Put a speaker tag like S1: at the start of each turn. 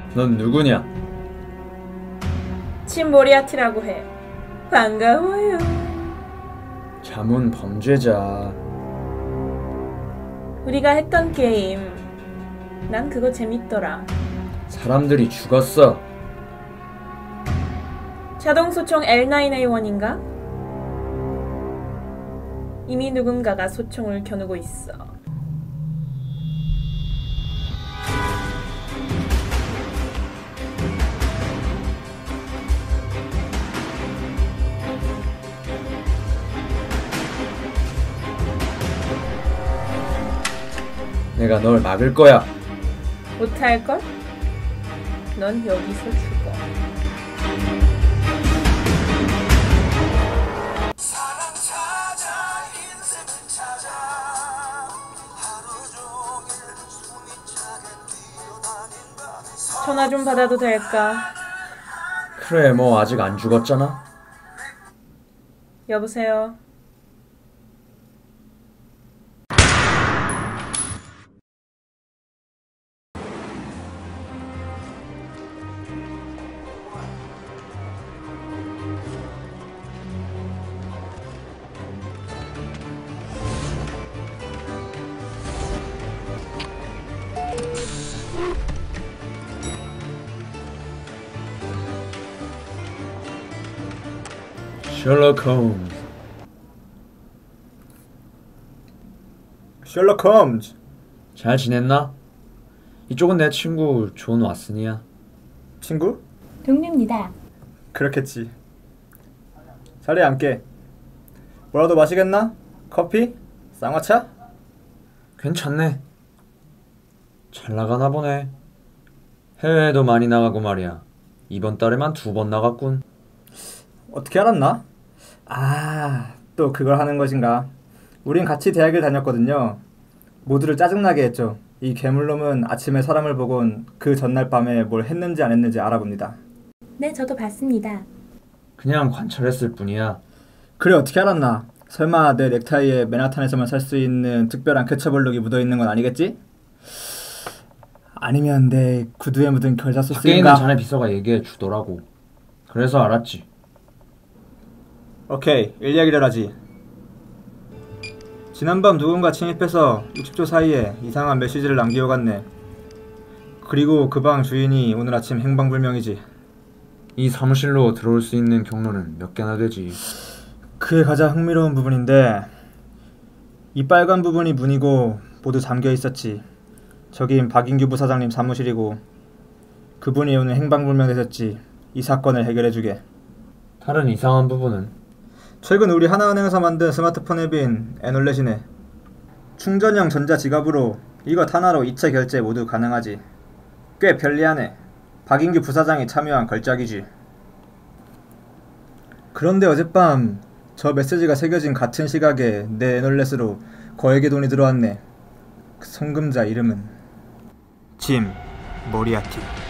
S1: 넌 누구냐?
S2: 침 모리아티라고 해. 반가워요.
S1: 자문 범죄자.
S2: 우리가 했던 게임, 난 그거 재밌더라.
S1: 사람들이 죽었어.
S2: 자동소총 L9A1인가? 이미 누군가가 소총을 겨누고 있어.
S1: 내가 널 막을 거야.
S2: 못할걸? 넌 여기서 죽어. 전화 좀 받아도 될까?
S1: 그래, 뭐 아직 안 죽었잖아.
S2: 여보세요?
S1: 셜록 홈즈.
S3: 셜록 홈즈.
S1: 잘 지냈나? 이쪽은 내 친구 존 왓슨이야.
S3: 친구?
S4: 동료입니다.
S3: 그렇겠지. 자리에 앉게. 뭐라도 마시겠나? 커피? 쌍화차?
S1: 괜찮네. 잘 나가나 보네. 해외에도 많이 나가고 말이야. 이번 달에만 2번 나갔군.
S3: 어떻게 알았나? 또 그걸 하는 것인가. 우린 같이 대학을 다녔거든요. 모두를 짜증나게 했죠. 이 괴물놈은 아침에 사람을 보곤 그 전날 밤에 뭘 했는지 안 했는지 알아봅니다.
S4: 네, 저도 봤습니다.
S1: 그냥 관찰했을 뿐이야.
S3: 그래, 어떻게 알았나? 설마 내 넥타이에 맨하탄에서만 살 수 있는 특별한 케첩블록이 묻어있는 건 아니겠지? 아니면 내 구두에 묻은 결자
S1: 밖에 있는
S3: 소스인가?
S1: 자네 비서가 얘기해 주더라고. 그래서 알았지.
S3: 오케이, 일 얘기를 하지. 지난밤 누군가 침입해서 60초 사이에 이상한 메시지를 남기어갔네. 그리고 그 방 주인이 오늘 아침 행방불명이지.
S1: 이 사무실로 들어올 수 있는 경로는 몇 개나 되지.
S3: 그게 가장 흥미로운 부분인데, 이 빨간 부분이 문이고 모두 잠겨 있었지. 저긴 박인규 부사장님 사무실이고, 그분이 오늘 행방불명되셨지. 이 사건을 해결해주게.
S1: 다른 이상한 부분은?
S3: 최근 우리 하나은행에서 만든 스마트폰 앱인 애놀렛이네. 충전형 전자지갑으로 이것 하나로 이체 결제 모두 가능하지. 꽤 편리하네. 박인규 부사장이 참여한 걸작이지. 그런데 어젯밤 저 메시지가 새겨진 같은 시각에 내 애놀렛으로 거액의 돈이 들어왔네. 그 송금자 이름은 짐 모리아티.